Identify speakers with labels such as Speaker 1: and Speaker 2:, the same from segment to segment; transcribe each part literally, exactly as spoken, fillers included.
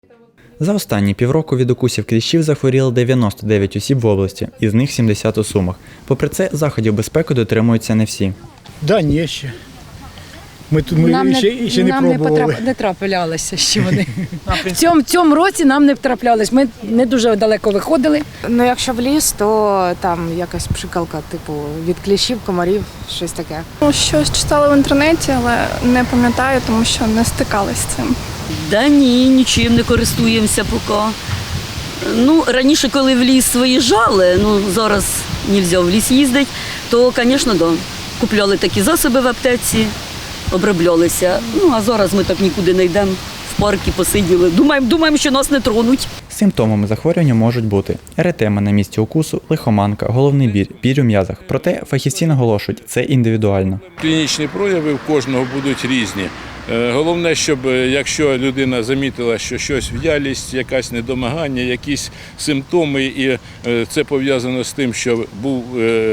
Speaker 1: За останні півроку від укусів кліщів захворіли дев'яносто дев'ять осіб в області, із них сімдесят у Сумах. Попри це, заходів безпеки дотримуються не всі.
Speaker 2: Да, ні, ще. Ми, ми
Speaker 3: нам
Speaker 2: ще,
Speaker 3: не,
Speaker 2: ще не
Speaker 3: нам
Speaker 2: пробували.
Speaker 3: не, потрап, не траплялися ще вони. В цьому, цьому році нам не траплялись. Ми не дуже далеко виходили.
Speaker 4: Ну, якщо в ліс, то там якась пшикалка, типу, від кліщів, комарів, щось таке.
Speaker 5: Ну, щось читала в інтернеті, але не пам'ятаю, тому що не стикалась з цим.
Speaker 6: Да ні, нічим не користуємося поки. Ну, раніше, коли в ліс виїжджали, ну, зараз не можна в ліс їздити, то, звісно, да, купляли такі засоби в аптеці, оброблялися. Ну, а зараз ми так нікуди не йдемо, в парки посиділи. Думаємо, думаємо, що нас не тронуть.
Speaker 1: Симптомами захворювання можуть бути еретема на місці укусу, лихоманка, головний біль, біль у м'язах. Проте фахівці наголошують, це індивідуально.
Speaker 7: Клінічні прояви в кожного будуть різні. Головне, щоб якщо людина замітила, що щось в'ялість, якесь недомагання, якісь симптоми, і це пов'язано з тим, що був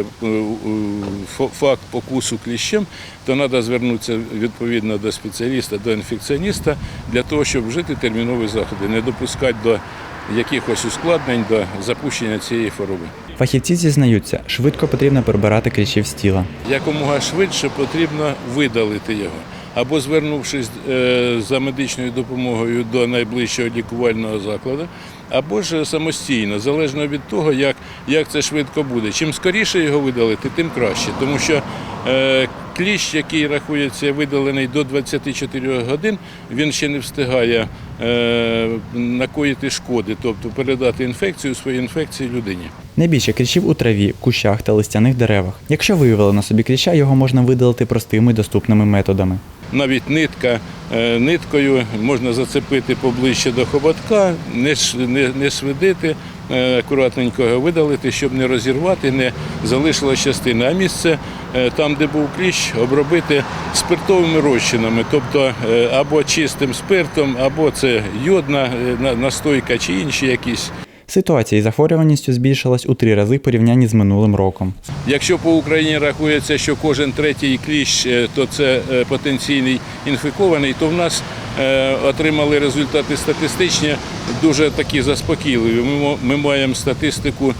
Speaker 7: факт покусу кліщем, то треба звернутися відповідно до спеціаліста, до інфекціоніста, для того, щоб вжити термінові заходи, не допускати до якихось ускладнень, до запущення цієї хвороби.
Speaker 1: Фахівці зізнаються, швидко потрібно прибирати кліщів з тіла.
Speaker 7: Якомога швидше потрібно видалити його. Або звернувшись за медичною допомогою до найближчого лікувального закладу, або ж самостійно, залежно від того, як, як це швидко буде. Чим скоріше його видалити, тим краще. Тому що е, кліщ, який рахується видалений до двадцяти чотирьох годин, він ще не встигає е, накоїти шкоди, тобто передати інфекцію, свою інфекцію людині.
Speaker 1: Найбільше кліщів у траві, кущах та листяних деревах. Якщо виявили на собі кліща, його можна видалити простими і доступними методами.
Speaker 7: Навіть нитка, ниткою можна зацепити поближче до хоботка, не, не, не свидити, акуратненько його видалити, щоб не розірвати, не залишилась частина. А місце, там, де був кліщ, обробити спиртовими розчинами, тобто або чистим спиртом, або це йодна настойка чи інші якісь.
Speaker 1: Ситуація із захворюваністю збільшилась у три рази в порівнянні з минулим роком.
Speaker 7: Якщо по Україні рахується, що кожен третій кліщ, то це потенційний інфікований, то в нас отримали результати статистичні дуже такі заспокійливі. Ми маємо статистику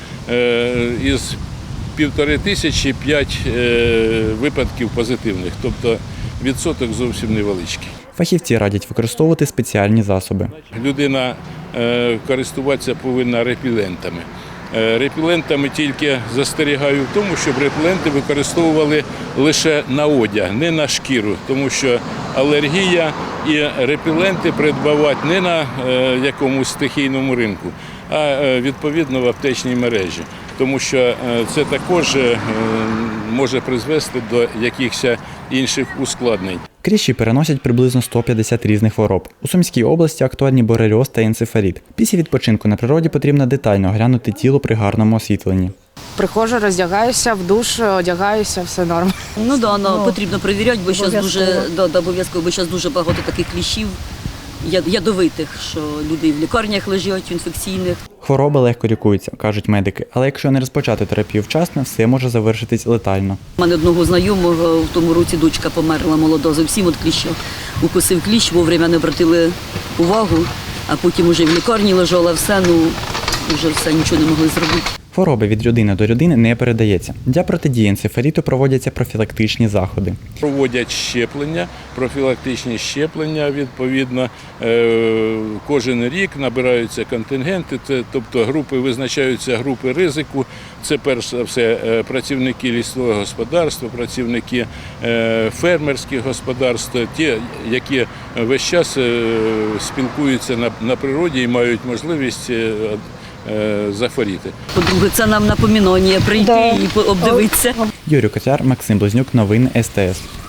Speaker 7: із півтори тисячі п'ять випадків позитивних, тобто відсоток зовсім невеличкий.
Speaker 1: Фахівці радять використовувати спеціальні засоби.
Speaker 7: Людина користуватися повинна репелентами. Репелентами тільки застерігаю в тому, щоб репеленти використовували лише на одяг, не на шкіру, тому що алергія і репеленти придбавати не на якомусь стихійному ринку, а відповідно в аптечній мережі, тому що це також може призвести до якихось інших ускладнень.
Speaker 1: Кліщі переносять приблизно сто п'ятдесят різних хвороб. У Сумській області актуальні борельоз та енцефаліт. Після відпочинку на природі потрібно детально оглянути тіло при гарному освітленні.
Speaker 4: Приходжу, роздягаюся, в душ, одягаюся, все норм.
Speaker 6: Ну так, да, ну, потрібно перевіряти, бо зараз дуже, да, да, обов'язково, бо зараз дуже багато таких кліщів ядовитих, що люди в лікарнях лежать, інфекційних.
Speaker 1: Хвороби легко лікуються, кажуть медики, але якщо не розпочати терапію вчасно, все може завершитись летально.
Speaker 6: У мене одного знайомого в тому році дочка померла молода, зовсім від кліща. Укусив кліщ, вовремя не обратили увагу, а потім вже в лікарні лежала, все, ну, вже все, нічого не могли зробити.
Speaker 1: Хвороби від людини до людини не передається. Для протидії енцефаліту проводяться профілактичні заходи.
Speaker 7: Проводять щеплення, профілактичні щеплення, відповідно, кожен рік набираються контингенти, тобто групи, визначаються групи ризику. Це перш за все працівники лісового господарства, працівники фермерських господарств, ті, які весь час спілкуються на, на природі і мають можливість захворіти.
Speaker 6: По-друге, це нам напоминання прийти да. і обдивитися.
Speaker 1: Юрій Котяр, Максим Близнюк, новини ес те ес.